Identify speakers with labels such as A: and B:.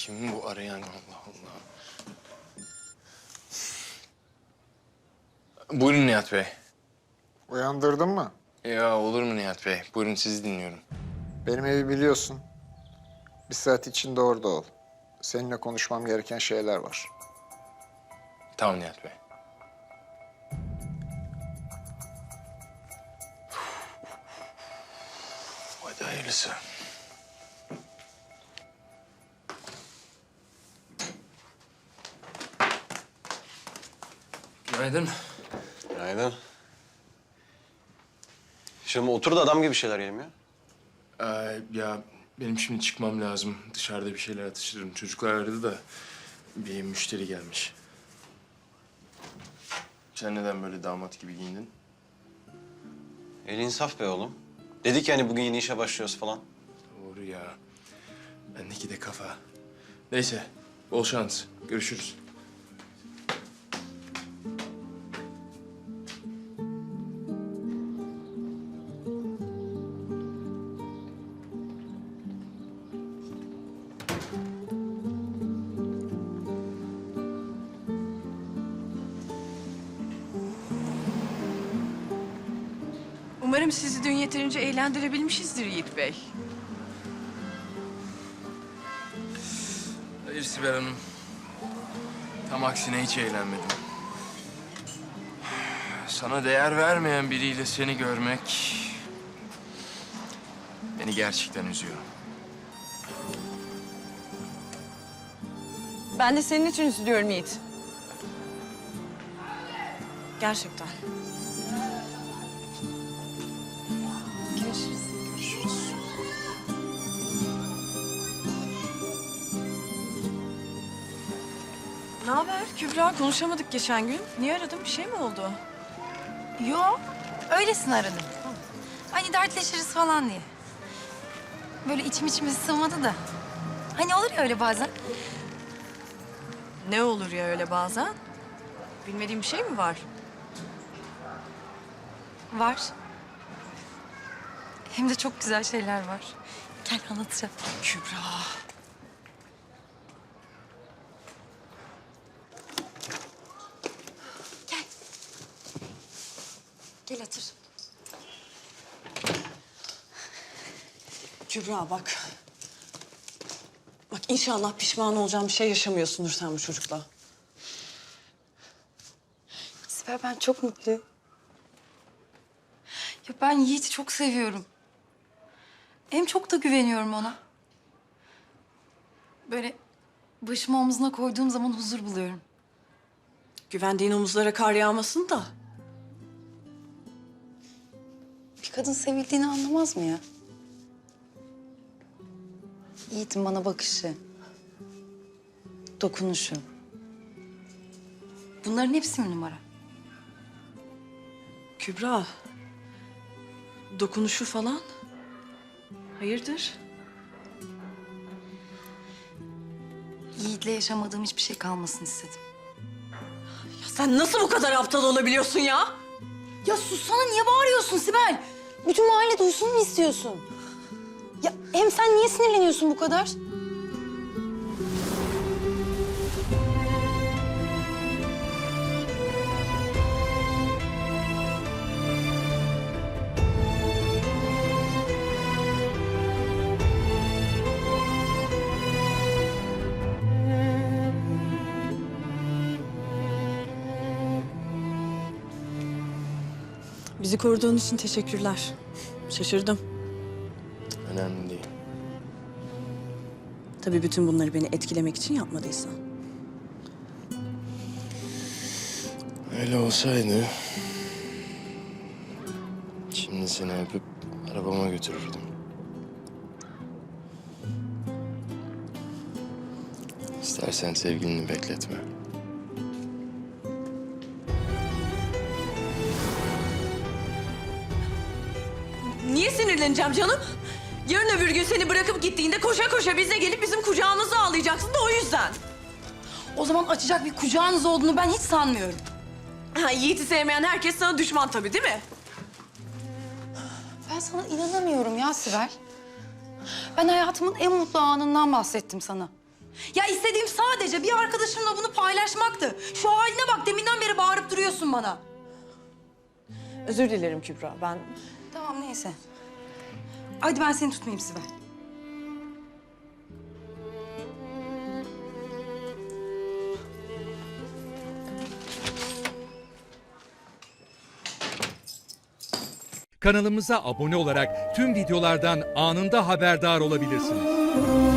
A: Kim bu arayan? Allah Allah. Buyurun Nihat Bey.
B: Uyandırdın mı?
A: Ya olur mu Nihat Bey? Buyurun sizi dinliyorum.
B: Benim evi biliyorsun. Bir saat içinde orada ol. Seninle konuşmam gereken şeyler var.
A: Tamam Nihat Bey. Hadi hayırlısı. Günaydın.
C: Günaydın. Şimdi otur da adam gibi şeyler yiyelim ya.
A: Ya benim şimdi çıkmam lazım. Dışarıda bir şeyler atıştırırım. Çocuklar aradı da bir müşteri gelmiş. Sen neden böyle damat gibi giyindin?
C: El insaf be oğlum. Dedik yani bugün yeni işe başlıyoruz falan.
A: Doğru ya. Bendeki de kafa. Neyse, bol şans. Görüşürüz.
D: Umarım sizi dün yeterince eğlendirebilmişizdir Yiğit Bey.
A: Hayır Sibel Hanım. Tam aksine hiç eğlenmedim. Sana değer vermeyen biriyle seni görmek beni gerçekten üzüyor.
D: Ben de senin için üzülüyorum Yiğit. Gerçekten. Görüşürüz.
A: Görüşürüz.
D: Ne haber Kübra? Konuşamadık geçen gün. Niye aradın? Bir şey mi oldu?
E: Yo, öylesine aradım. Hani dertleşiriz falan diye. Böyle içimiz sığmadı da. Hani olur ya öyle bazen.
D: Ne olur ya öyle bazen? Bilmediğim bir şey mi var?
E: Var. Hem de çok güzel şeyler var. Gel anlatacağım.
D: Kübra.
E: Gel otur.
F: Kübra bak. Bak inşallah pişman olacağım bir şey yaşamıyorsundur sen bu çocukla.
E: Sibel ben çok mutluyum. Ya ben Yiğit'i çok seviyorum. Hem çok da güveniyorum ona. Böyle başımı omzuna koyduğum zaman huzur buluyorum.
F: Güvendiğin omuzlara kar yağmasın da.
E: Bir kadın sevildiğini anlamaz mı ya? Yiğit'in bana bakışı, dokunuşu. Bunların hepsi mi numara?
F: Kübra. Dokunuşu falan. Hayırdır?
E: Yiğit'le yaşamadığım hiçbir şey kalmasın istedim.
F: Ya sen nasıl bu kadar aptal olabiliyorsun ya?
E: Ya sussana, niye bağırıyorsun Sibel? Bütün mahalle duysun mu istiyorsun? Ya hem sen niye sinirleniyorsun bu kadar?
F: Bizi koruduğun için teşekkürler. Şaşırdım.
A: Önemli değil.
F: Tabii bütün bunları beni etkilemek için yapmadıysan.
A: Öyle olsaydı şimdi seni öpüp arabama götürürdüm. İstersen sevgilini bekletme.
F: Niye sinirleneceğim canım? Yarın öbür gün seni bırakıp gittiğinde koşa koşa bize gelip bizim kucağımızda ağlayacaksın da o yüzden.
E: O zaman açacak bir kucağınız olduğunu ben hiç sanmıyorum.
F: Ha, Yiğit'i sevmeyen herkes sana düşman tabii değil mi?
E: Ben sana inanamıyorum ya Sibel. Ben hayatımın en mutlu anından bahsettim sana. Ya istediğim sadece bir arkadaşımla bunu paylaşmaktı. Şu haline bak, deminden beri bağırıp duruyorsun bana.
F: Özür dilerim Kübra. Ben
E: Tamam neyse. Hadi ben seni tutmayayım Sibel.
G: Kanalımıza abone olarak tüm videolardan anında haberdar olabilirsiniz.